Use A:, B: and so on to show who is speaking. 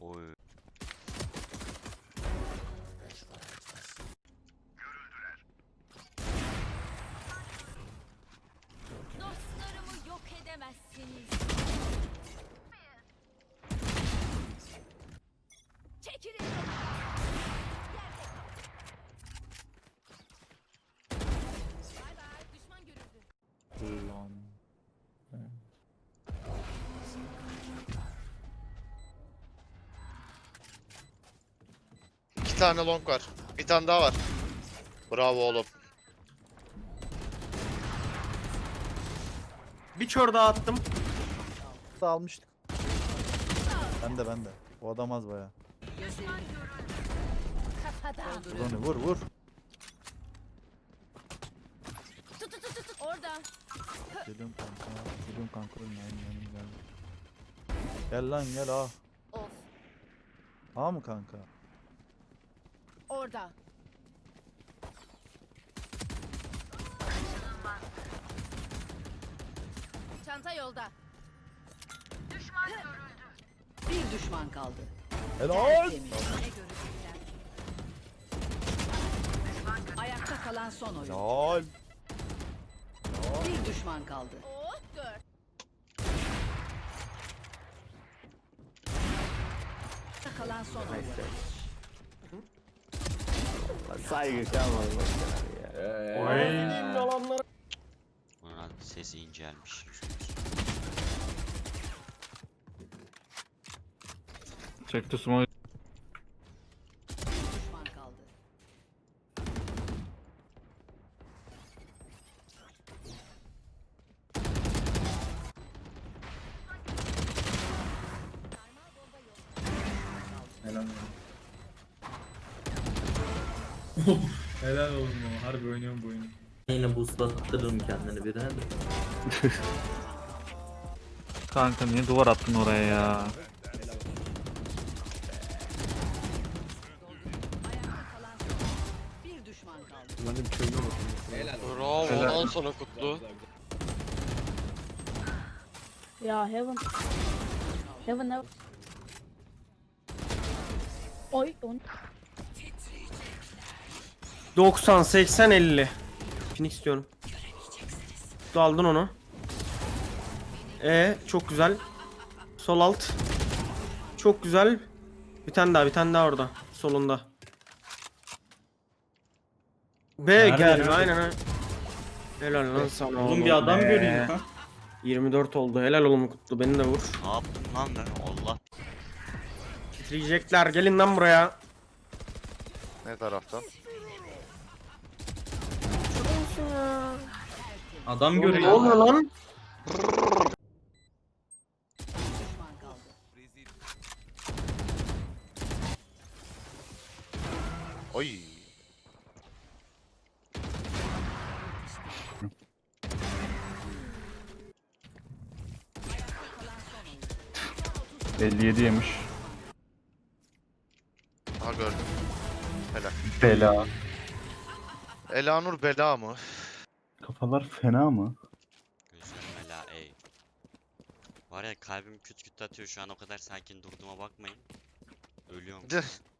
A: Oy.
B: Dostlarımı yok edemezsiniz. Çekilin. Bay bay. Düşman görüldü.
C: Ulan.
D: İki tane long var. Bir tane daha var. Bravo oğlum.
E: Bir çor daha attım.
C: Almıştık. Ben de. O adam az baya.
B: Kafadan.
C: Vur onu vur.
B: Tut. Orada.
C: Geliyorum kanka. Yanım geldi. Gel lan gel ah.
B: Of.
C: Ha mı kanka?
B: Orada. Çanta yolda.
F: Bir düşman kaldı.
C: Helal.
F: Temiz. Ne görecekler? Ayakta kalan son oyun.
C: Helal.
F: Bir düşman kaldı.
B: Oh gör.
F: Ayakta kalan son oyun.
G: Saygı kalmadı ya.
A: Bunun sesi incelmiş.
G: Çekti smoke.
F: Bir düşman kaldı.
H: Helal oğlum ya. Harbi oynuyorum bu oyunu.
I: Yine boostlattırırım kendini birine de.
G: Kanka niye duvar attın oraya ya?
F: Ayakta kalan son oyun. Bir düşman kaldı.
D: Bravo.
G: Helal.
D: Ondan sonra kutlu.
J: Ya Heaven. Heaven. Oy 10.
E: 90, 80, 50. Phoenix istiyorum. Tu aldın onu. Çok güzel. Sol alt. Çok güzel. Bir tane daha orada. Solunda. B gel. Aynen. Helal lan sana oğlum.
H: bir adam
E: be.
H: göreyim ha.
E: 24 oldu. Helal oğlum Kutlu. Beni de vur.
A: Ne yaptım lan ben? Allah.
E: Titriyecekler. Gelin lan buraya.
D: Ne taraftan?
H: Adam
E: Ne
H: görüyor.
E: oluyor lan?
F: Düşman kaldı.
D: Oy.
F: Kalan son oyun.
G: 57 yemiş.
D: Aha gördüm. Helal.
G: Bela.
D: Elanur bela mı?
G: Kafalar fena mı?
A: Gözlerim ela ey. Var ya kalbim küt küt atıyor şu an, o kadar sakin durduğuma bakmayın. Ölüyorum.